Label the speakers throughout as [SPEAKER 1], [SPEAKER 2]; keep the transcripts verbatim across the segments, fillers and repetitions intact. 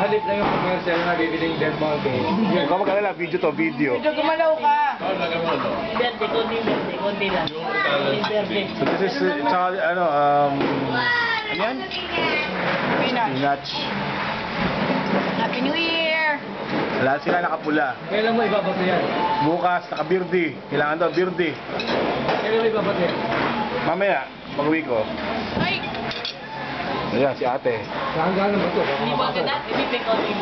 [SPEAKER 1] halip lang yung commercial na bibiling Del Monte.
[SPEAKER 2] Huwag ka mag-alala, video to, video.
[SPEAKER 3] Medyo gumalaw ka.
[SPEAKER 4] Verde, kundi verde, kundi lang. Verde.
[SPEAKER 2] So this is, uh, tsaka, ano, um, ano yan?
[SPEAKER 3] Spinach.
[SPEAKER 2] Spinach.
[SPEAKER 3] Happy New Year!
[SPEAKER 2] Lahat sila nakapula.
[SPEAKER 1] Kailan mo ibabato yan?
[SPEAKER 2] Bukas, naka-birthday. Kailangan daw, birthday.
[SPEAKER 1] Kailan mo ibabato yan?
[SPEAKER 2] Mamaya, pag-uwi ko.
[SPEAKER 3] Ay!
[SPEAKER 2] Ayan, si ate.
[SPEAKER 1] Saan gano'n ba ito?
[SPEAKER 4] Hindi ba ganda? Ibibig ko rin.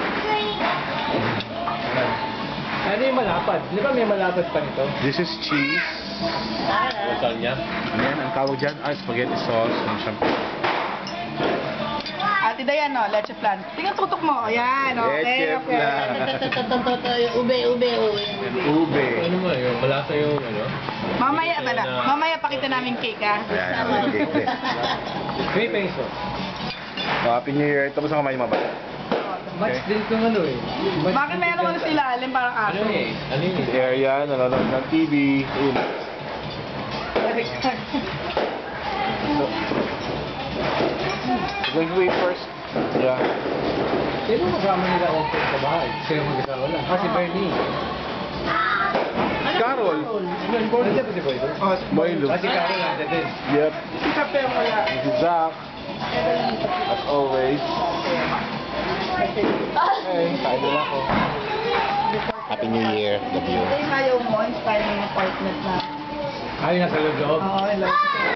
[SPEAKER 1] Ano yung malapad? Di ba may malapad pa nito?
[SPEAKER 2] This is cheese.
[SPEAKER 1] Saan niya?
[SPEAKER 2] Ano yan? Ang tawag dyan? Ah, spaghetti sauce. Ang syempre.
[SPEAKER 3] Ate Dayan, no? Leche flan. Tingnan tutok mo. Ayan, okay,
[SPEAKER 2] Leche
[SPEAKER 3] okay.
[SPEAKER 2] flan.
[SPEAKER 4] Ube, ube, ube.
[SPEAKER 2] Ube.
[SPEAKER 1] Ano mo yung malasa yung ano?
[SPEAKER 3] Mamaya, bala. Mamaya pakita namin cake, ha?
[SPEAKER 2] Ayan, ang cake eh.
[SPEAKER 1] three pesos.
[SPEAKER 2] So, Happy New Year. Ito mo sa kamay mo ba?
[SPEAKER 1] Match din itong ano eh. Match
[SPEAKER 3] Bakit
[SPEAKER 1] din
[SPEAKER 3] meron
[SPEAKER 1] itong-
[SPEAKER 3] ano sila? Alim parang
[SPEAKER 1] Ano
[SPEAKER 3] aso.
[SPEAKER 1] eh? Ano yun
[SPEAKER 2] Si
[SPEAKER 1] eh?
[SPEAKER 2] Area, nanonood ng T V. Ayun. Going to eat first. Yeah.
[SPEAKER 1] Sino magkama nila open sa bahay? Sino mag-asawa lang? Ah, si Bernie.
[SPEAKER 2] Carol.
[SPEAKER 1] Nandiyan ba si Boy?
[SPEAKER 3] Oh,
[SPEAKER 2] Boylo.
[SPEAKER 1] Ah, si Carol nandiyan din.
[SPEAKER 2] Yep.
[SPEAKER 3] si Kape mo wala.
[SPEAKER 2] This is Zach. As always. Hey, kain na ako. Happy New Year. Love you.
[SPEAKER 3] Ito yung ayaw mo, inspiring ng apartment na.
[SPEAKER 1] Ay, nasa loob.
[SPEAKER 3] Oo, I love it.